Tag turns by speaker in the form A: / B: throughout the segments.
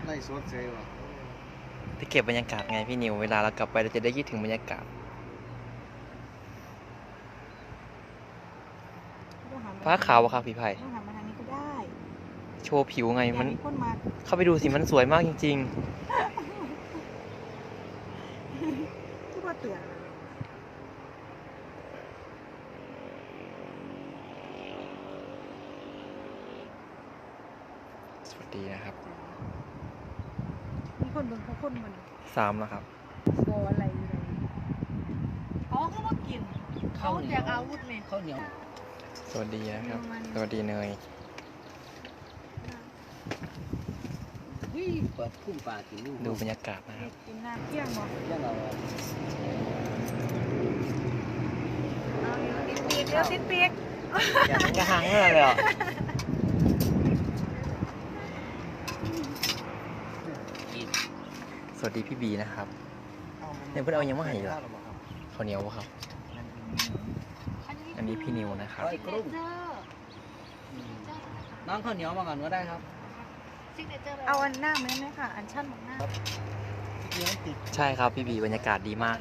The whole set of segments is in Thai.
A: ได้สดเซลล์
B: ที่เก็บบรรยากาศไงพี่นิวเวลาเรากลับไปเราจะได้คิดถึงบรรยากาศฟ้าขาวอะครับพี่ไผ่
C: ต้องหันมาทางนี้ก็ได้
B: โชว์ผิวไงมัน
C: คนมา
B: เข้าไปดูสิมันสวยมากจริง
C: ทุกคนเตือน
B: ๆสวัสดีนะครับ
C: มีคนเบิ่งเขาคนมัน
B: 3แล้วครับ
C: โบอะไรอะไรอ๋อเขามากินเขาแจกอาวุธเนี่ย
A: ข้าวเหนียว
B: สวัสดีนะครับ สวัสดีเนย
A: เปิดพุ่มปลากินลูก
B: ดูบรรยากาศนะครับ
C: กินน้ำเที่ยงบ่
A: เรื่องเรา
C: เอาเดี๋ยวติดเปียก
B: อยากจะหังเลยอ่ะสวัสดีพี่บีนะครับเนี่ยเพื่อนเอายังไม่หายเหรอข้าวเหนียวปะครับ อันนี้พี่นิวนะครับ
A: น้องข้าวเหนียวมาก่อนก็ได้ครับ
C: เอาอันหน้าไหมค่ะ อันชั่นของหน้า
B: ใช่ครับพี่บีบรรยากาศดีมาก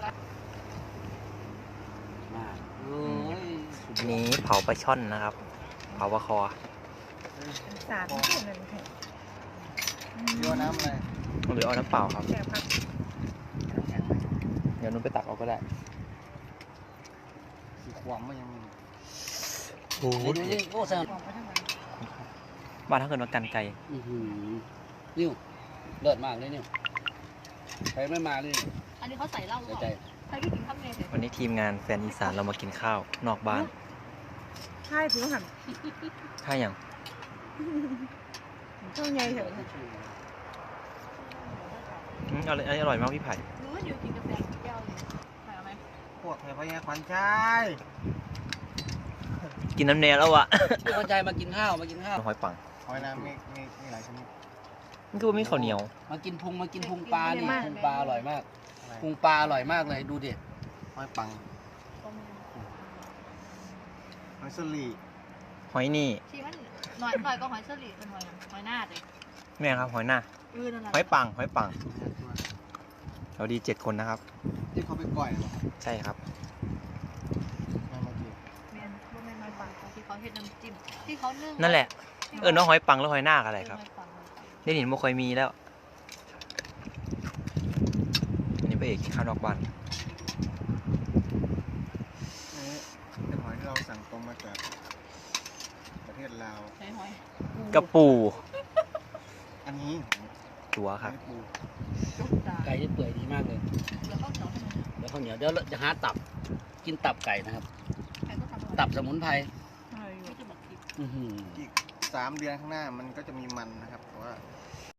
A: โอ้ย
B: อันนี้เผาปลาช่อนนะครับ เผาปลาคอ
C: สารไม่เห็นเลยแท้
A: โยนน้ำอะไร
B: หรือเอาน้ำเปล่าครับ
C: แจกผัก
B: เดี๋ยวนุ่นไปตักเอาก็ได้
A: สีความมันยังมี
B: โอ้โห
A: นี่โอ้แซม
C: ออกมาทั้งวัน
B: บ้านถ้าเกิดมากันไก่
A: นิ้วเลิศมากเลยนิ้วใครไม่มาเลย
D: อันนี้เขาใส่เหล้าหรือ
A: ใจ
D: เปล่าใครพี่กินข้าวเมย์เนี่ย
B: วันนี้ทีมงานแฟนอีสานเรามากินข้าวนอกบ้าน
C: ใช่ผิวหัน
B: ถ้าอย่าง
C: ช่วงใหญ่เถอะ
B: อร่อยมากพี่ไผ่
D: หรือว่าอยู่กินกาแฟแก้วเลยใส่เอาไหม
A: พวกไทยพญาขวัญใจ
B: กินน้ำเนยแล้วอะ
A: พี่ขวัญใจมากินข้าวมากินข้าว
B: หอยปัง
A: หอยนางมีหลายชนิด
B: มันคือว่ามีข้าวเหนียว
A: มากินพุงปลานี่พุงปลาอร่อยมากพุงปลาอร่อยมากเลยดูดิหอยปังหอยสลี
B: หอยนี่
D: ชีมันหน่อยก็หอยเชอรี่เป็นหอยหน้าเลย
B: แม่ครับหอยหน้า
D: นั่นแหละ
B: หอยปังเราดี7 คนนะครับ
A: ที่เขาไปก่อยเหรอ
B: ใช่ครับ
A: มาเมื่อกี้
D: แมนพวกแมนหอยปังที่เขาเฮ็ดน้ำจิ้มที่เขานึ่ง
B: นั่นแหละน้องหอยปังแล้วหอยหน้าอะไรครับ
D: หอยปัง
B: ได้เห็นไม่ค่อยมีแล้ว อันนี้พระเอกข้าวนอกบ้าน
A: นี่เป็นหอยที่เราสั่งตรงมาจากประเทศลาว
D: ใช้หอย
B: กระปู
A: อันนี้
B: ตัวครับ
A: ปู
D: จุกตา
E: ไก่ที่เปื่อยดีมากเลย
D: แล้วก็เหนียวให้มัน
E: เดี๋ยวข้าวเหนียวเดี๋ยวเราจะหาตับ กินตับไก่นะครับ
D: ใครก็ทำ
E: ตับสมุนไพร
D: ไม่จะบอกผิด
E: อื้อหือ
A: อีก3 เดือนข้างหน้ามันก็จะมีมันนะครับแต่ว่า